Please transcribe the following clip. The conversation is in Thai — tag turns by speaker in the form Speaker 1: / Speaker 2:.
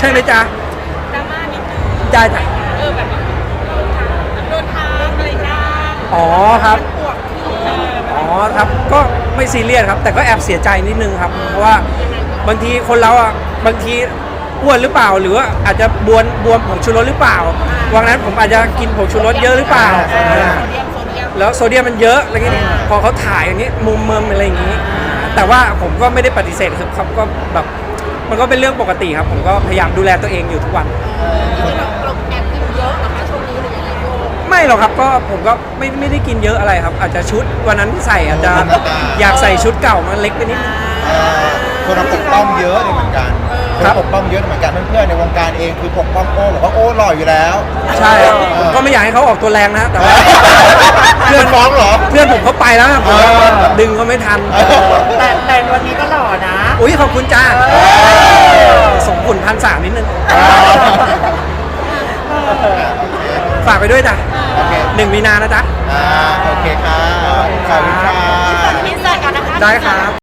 Speaker 1: ช่ไหมจ๊ะ
Speaker 2: ดราม่านิดนึง
Speaker 1: จ้าจ้ะ
Speaker 2: แบบโดนทางอะไรบ้าง
Speaker 1: อ๋อครับ
Speaker 2: ปวด
Speaker 1: อ๋อครับก็ไม่ซีเรียสครับแต่ก็แอบเสียใจนิดนึงครับเพราะว่าบางทีคนเราอ่ะบางทีอ้วนหรือเปล่าหรือว่าอาจจะบวมผงชูรสหรือเปล่าวันนั้นผมอาจจะกินผงชูรสเยอะหรือเปล่าแล้วโซเดียมมันเยอะอะไรเงี้ยพอเขาถ่ายอย่างนี้มุมเมิมอะไรอย่างนี้แต่ว่าผมก็ไม่ได้ปฏิเสธครับก็แบบมันก็เป็นเรื่องปกติครับผมก็พยายามดูแลตัวเองอยู่ทุกวัน
Speaker 2: เราแอบกินเยอะนะคะช่วงนี้หรือยังไง
Speaker 1: ไม่หรอกครับก็ผมก็ไม่ได้กินเยอะอะไรครับอาจจะชุดวันนั้นที่ใส่อาจจะอยากใส่ชุดเก่ามันเล็กไปนิด
Speaker 3: คนเราปกป้องเยอะเลยเหมือนกันปกป้องเยอะเหมือนกันเพื่อนๆในวงการเองคือปกป้องโอ้บอกว่าโอ้หล่ออยู่แล้ว
Speaker 1: ใช่ผมก็ไม่อยากให้เขาออกตัวแรงนะแต่ว่า
Speaker 3: เพื่อนฟ้องเหรอ
Speaker 1: เพื่อนผมเขาไปแล้วผมดึงเขาไม่ทัน
Speaker 2: แต่วันนี้ก็หล่อนะ
Speaker 1: อุ้ยขอบคุณจ้าส่งผล1,300นิดนึงฝากไปด้วยจ้ะ1 มีนานะจ๊ะ
Speaker 3: โอเคค่ะขอบคุณค่ะ
Speaker 2: พิเศษกันนะคะ
Speaker 1: ได้ครับ